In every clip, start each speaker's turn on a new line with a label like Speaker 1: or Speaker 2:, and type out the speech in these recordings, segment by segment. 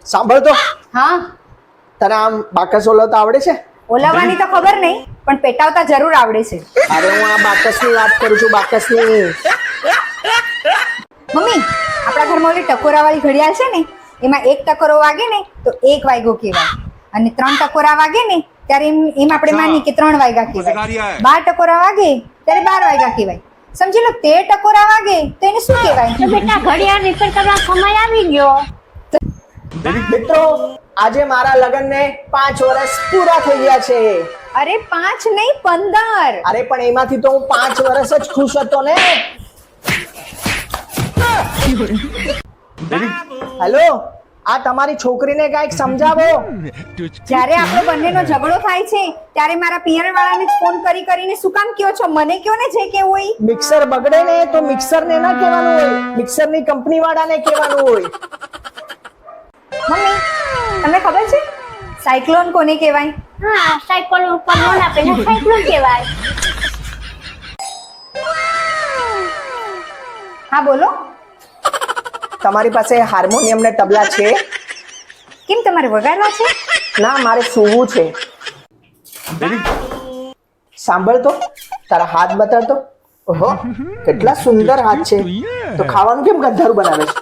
Speaker 1: સાંભળ તો,
Speaker 2: હા,
Speaker 1: તને આમ બાકસ ઓલાવતા આવડે છે?
Speaker 2: ઓલાવવાની તો ખબર નહીં, પણ પેટાવતા જરૂર આવડે છે.
Speaker 1: અરે હું આ બાકસની વાત કરું છું, બાકસની.
Speaker 2: મમ્મી, આપણા ઘરમાં ઓલી ટકોરાવાળી ઘડિયાળ છે ને, એમાં એક ટકોરો વાગે ને તો 1 વાગ્યો કહેવાય, અને 3 ટકોરા વાગે ને ત્યારે એમ આપણે માની કે 3 વાગ્યા કહેવાય. 12 ટકોરા વાગે ત્યારે 12 વાગ્યા કહેવાય. સમજી લો 13 ટકોરા વાગે તો એને શું કહેવાય?
Speaker 3: તો બેટા ઘડિયાળ રિપેર કરવા સમય આવી ગયો.
Speaker 1: મિત્રો, આજે મારા લગ્નને 5 વર્ષ પૂરા થઈ ગયા છે.
Speaker 2: અરે 5 નહીં 15.
Speaker 1: અરે પણ એમાંથી તો હું 5 વર્ષ જ ખુશ હતો ને. હેલો, આ તમારી છોકરીને કાંઈક સમજાવો.
Speaker 2: જ્યારે આપણો બંનેનો ઝઘડો થાય છે ત્યારે મારા પિયર વાળાને જ ફોન કરીને શું કામ કયો છો? મને કયો ને જે કેવું હોય.
Speaker 1: મિક્સર બગડે ને તો મિક્સરને ના કહેવાનું હોય, મિક્સરની કંપની વાળાને કહેવાનું હોય.
Speaker 2: મમ્મી, તમને ખબર છે સાયક્લોન કોને કહેવાય?
Speaker 3: હા, સાયકલ ઉપર લોન આપે ને સાયકલ કહેવાય.
Speaker 2: હા બોલો.
Speaker 1: તમારી પાસે હાર્મોનિયમ ને તબલા છે?
Speaker 2: કેમ, તમારે વગાડવા છે?
Speaker 1: ના, મારે સૂવું છે. સાંભળ તો, તારા હાથ બતાડ તો. ઓહો, કેટલા સુંદર હાથ છે. તો ખાવાનું કેમ ગંધારું બનાવે છે?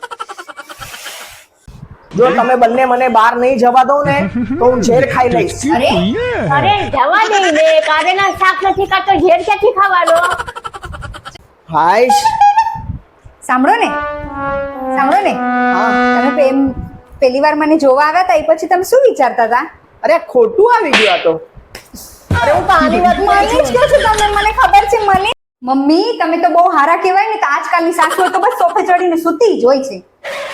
Speaker 1: જો તમે બંને મને બહાર નહીં જવા દો ને તો હું ઝેર ખાઈ લઈશ.
Speaker 3: અરે જવા દે ને, કારેલા શાક નથી ખાતો, ઝેર ક્યાંથી ખાવાનો?
Speaker 1: હાઈશ.
Speaker 2: સાંભળો ને,
Speaker 1: હા.
Speaker 2: તમે પહેલી વાર મને જોવા આવ્યા હતા એ પછી તમે શું વિચારતા હતા?
Speaker 1: અરે ખોટું આવી ગયું આ તો. અરે હું તો આની વાત
Speaker 2: મને જ કહો છો તમે, મને ખબર છે મને. મમ્મી, તમે તો બહુ હારા કહેવાય ને. તો આજકાલની સાસુઓ તો બસ સોફે ચડીને સૂતી જ હોય છે.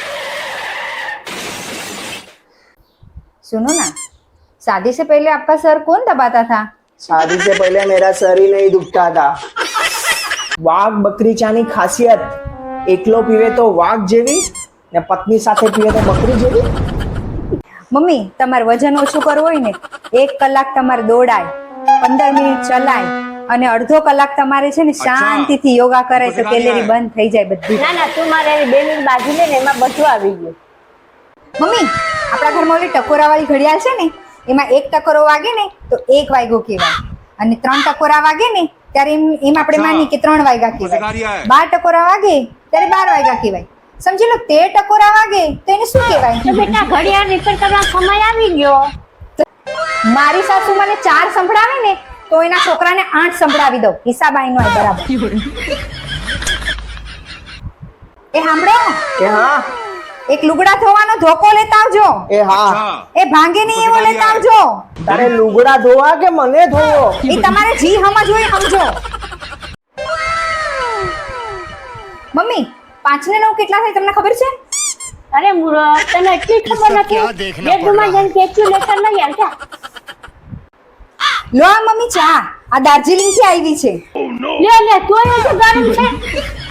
Speaker 2: सुनो ना, शादी से पहले आपका सर कौन दबाता था?
Speaker 1: शादी से पहले मेरा सर ही नहीं दुखता था. વાઘ બકરી ચાની ખાસિયત, એકલો પીવે તો વાઘ જેવી ને પત્ની સાથે પીવે તો બકરી જેવી.
Speaker 2: મમ્મી, તમારે વજન ઓછું કરવું હોય ને 1 કલાક તમારે દોડાય, 15 મિનિટ ચલાય અને અડધો કલાક તમારે છે ને શાંતિથી યોગા કરે તો કેલેરી બંધ થઈ જાય બધી.
Speaker 3: ના ના, તું મારે બેની બાજુ લે ને, એમાં બધું આવી ગયું.
Speaker 2: મમ્મી, આપણા ઘરમાં ઓલી ટકોરાવાળી ઘડિયાળ છે ને, એમાં 1 ટકોરો વાગે ને તો 1 વાગ્યો કહેવાય, અને 3 ટકોરા વાગે ને ત્યારે એમ આપણે માની કે 3 વાગ્યા કહેવાય. 12 ટકોરા વાગે ત્યારે 12 વાગ્યા કહેવાય. સમજી લો 13 ટકોરા વાગે તો એને શું કહેવાય?
Speaker 3: તો બેટા ઘડિયાળ રિપેર કરવા સમય આવી ગયો.
Speaker 2: મારી સાસુ મને 4 સંભળાવે ને તો એના છોકરાને 8 સંભળાવી દઉં. હિસાબ આઈનો હોય બરાબર. એ સાંભળો,
Speaker 1: એ હા,
Speaker 2: એક લુગડા ધોવાનો ધોકો લેતા આવજો.
Speaker 1: એ હા.
Speaker 2: એ ભાંગે નહીં એવો લેતા આવજો.
Speaker 1: તારે લુગડા ધોવા કે મને ધોવો?
Speaker 2: એ તમારે જી સમજ હોય સમજો. મમ્મી, 5 ને 9 કેટલા થાય તમને ખબર છે?
Speaker 3: અરે મૂર્ખ, તને એટલી ખબર નથી? બેડરૂમમાં જઈને કેલ્ક્યુલેટર લઈ આવજા.
Speaker 2: લો આ મમ્મી ચા, આ દાર્જિલિંગ થી આવી છે.
Speaker 3: લે લે, તોય હજુ ગરમ છે.